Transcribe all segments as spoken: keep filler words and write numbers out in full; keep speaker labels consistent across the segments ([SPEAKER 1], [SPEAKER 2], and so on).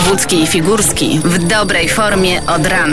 [SPEAKER 1] Wojewódzki i Figurski w dobrej formie od rana.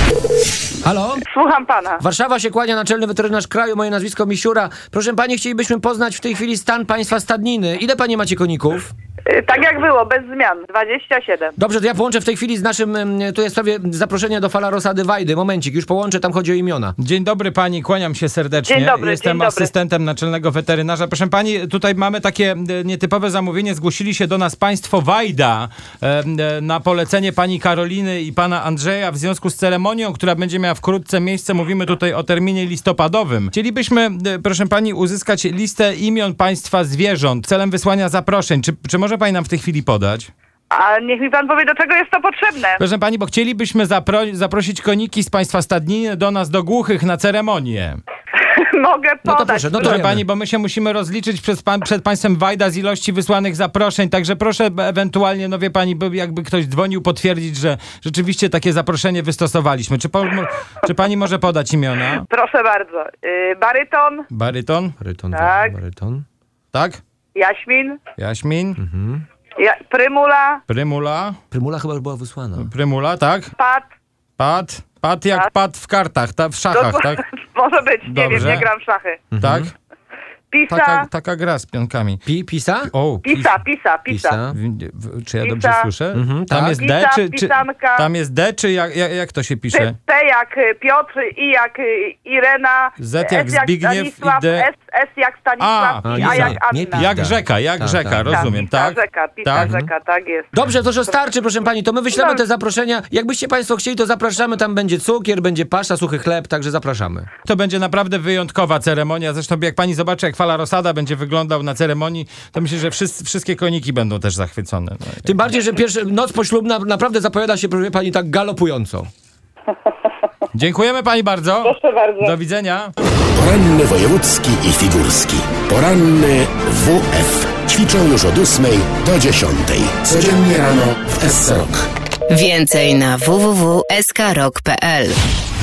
[SPEAKER 2] Halo?
[SPEAKER 3] Słucham pana.
[SPEAKER 2] Warszawa się kłania, naczelny weterynarz kraju, moje nazwisko Misiura. Proszę pani, chcielibyśmy poznać w tej chwili stan państwa stadniny. Ile panie macie koników?
[SPEAKER 3] Yy, tak jak było, bez zmian. dwadzieścia siedem.
[SPEAKER 2] Dobrze, to ja połączę w tej chwili z naszym, tu jest w sprawie zaproszenia do Fala Rosady Wajdy. Momencik, już połączę, tam chodzi o imiona.
[SPEAKER 4] Dzień dobry pani, kłaniam się serdecznie.
[SPEAKER 3] Dzień dobry,
[SPEAKER 4] Jestem
[SPEAKER 3] dzień dobry.
[SPEAKER 4] asystentem naczelnego weterynarza. Proszę pani, tutaj mamy takie nietypowe zamówienie. Zgłosili się do nas państwo Wajda e, na polecenie pani Karoliny i pana Andrzeja w związku z ceremonią, która będzie miała wkrótce miejsce. Mówimy tutaj o terminie listopadowym. Chcielibyśmy, e, proszę pani, uzyskać listę imion państwa zwierząt celem wysłania zaproszeń. Czy, czy może pani nam w tej chwili podać?
[SPEAKER 3] A niech mi pan powie, do czego jest to potrzebne.
[SPEAKER 4] Proszę pani, bo chcielibyśmy zapro- zaprosić koniki z państwa stadniny do nas, do Głuchych, na ceremonię.
[SPEAKER 3] Mogę podać.
[SPEAKER 2] No to proszę, no to
[SPEAKER 4] Proszę
[SPEAKER 2] wiemy.
[SPEAKER 4] pani, bo my się musimy rozliczyć przed, pan, przed państwem Wajda z ilości wysłanych zaproszeń, także proszę ewentualnie, no wie pani, by jakby ktoś dzwonił, potwierdzić, że rzeczywiście takie zaproszenie wystosowaliśmy. Czy, po, czy pani może podać imiona?
[SPEAKER 3] Proszę bardzo. Yy, baryton,
[SPEAKER 4] Baryton?
[SPEAKER 2] Baryton,
[SPEAKER 3] Tak.
[SPEAKER 2] baryton.
[SPEAKER 4] Tak?
[SPEAKER 3] Jaśmin,
[SPEAKER 4] Jaśmin?
[SPEAKER 2] Mhm.
[SPEAKER 3] ja, Prymula,
[SPEAKER 4] Prymula?
[SPEAKER 2] Prymula chyba już była wysłana.
[SPEAKER 4] Prymula, tak?
[SPEAKER 3] Pat.
[SPEAKER 4] Pat? Pat jak
[SPEAKER 3] Tak.
[SPEAKER 4] pat w kartach, ta, w szachach,
[SPEAKER 3] To-
[SPEAKER 4] tak?
[SPEAKER 3] Może być, nie
[SPEAKER 4] Dobrze.
[SPEAKER 3] wiem, nie gram w szachy.
[SPEAKER 4] Tak?
[SPEAKER 3] Pisa,
[SPEAKER 4] Taka, taka gra z pionkami.
[SPEAKER 2] Pi, pisa?
[SPEAKER 4] O,
[SPEAKER 3] pisa, pisa, pisa.
[SPEAKER 2] Pisa.
[SPEAKER 4] W- w- Czy ja
[SPEAKER 3] Pisa.
[SPEAKER 4] dobrze słyszę?
[SPEAKER 2] Mhm,
[SPEAKER 4] Tam
[SPEAKER 2] tak.
[SPEAKER 4] jest D,
[SPEAKER 3] Pisa,
[SPEAKER 4] czy, czy
[SPEAKER 3] pisanka.
[SPEAKER 4] tam jest D, czy jak, jak, jak to się pisze?
[SPEAKER 3] P, P jak y, Piotr, I jak y, Irena,
[SPEAKER 4] Z jak
[SPEAKER 3] S jak
[SPEAKER 4] Zbigniew
[SPEAKER 3] Stanisław,
[SPEAKER 4] i D-
[SPEAKER 3] S, S jak Stanisław,
[SPEAKER 4] A,
[SPEAKER 3] I
[SPEAKER 2] a,
[SPEAKER 3] A
[SPEAKER 2] nie,
[SPEAKER 3] jak
[SPEAKER 2] nie
[SPEAKER 3] Anna.
[SPEAKER 2] pi-
[SPEAKER 4] Jak
[SPEAKER 2] Tak.
[SPEAKER 4] rzeka, jak
[SPEAKER 2] Tak,
[SPEAKER 4] rzeka,
[SPEAKER 2] tak.
[SPEAKER 4] rozumiem,
[SPEAKER 3] pisa,
[SPEAKER 4] tak?
[SPEAKER 3] rzeka, pisa,
[SPEAKER 4] tak?
[SPEAKER 3] rzeka, tak jest.
[SPEAKER 2] Dobrze, to że starczy, proszę pani, to my wyślemy
[SPEAKER 3] No.
[SPEAKER 2] te zaproszenia. Jakbyście państwo chcieli, to zapraszamy, tam będzie cukier, będzie pasza, suchy chleb, także zapraszamy.
[SPEAKER 4] To będzie naprawdę wyjątkowa ceremonia. Zresztą jak pani zobaczy, jak Fala Rosada będzie wyglądał na ceremonii, to myślę, że wszyscy, wszystkie koniki będą też zachwycone. No.
[SPEAKER 2] Tym bardziej, że pierwsza noc poślubna naprawdę zapowiada się, proszę pani, tak galopująco.
[SPEAKER 4] Dziękujemy pani bardzo.
[SPEAKER 3] Proszę bardzo.
[SPEAKER 4] Do widzenia.
[SPEAKER 5] Poranny wojewódzki i figurski. Poranny W F. Ćwiczą już od ósmej do dziesiątej. Codziennie rano w S C Rock.
[SPEAKER 1] Więcej na w w w kropka s k rock kropka p l.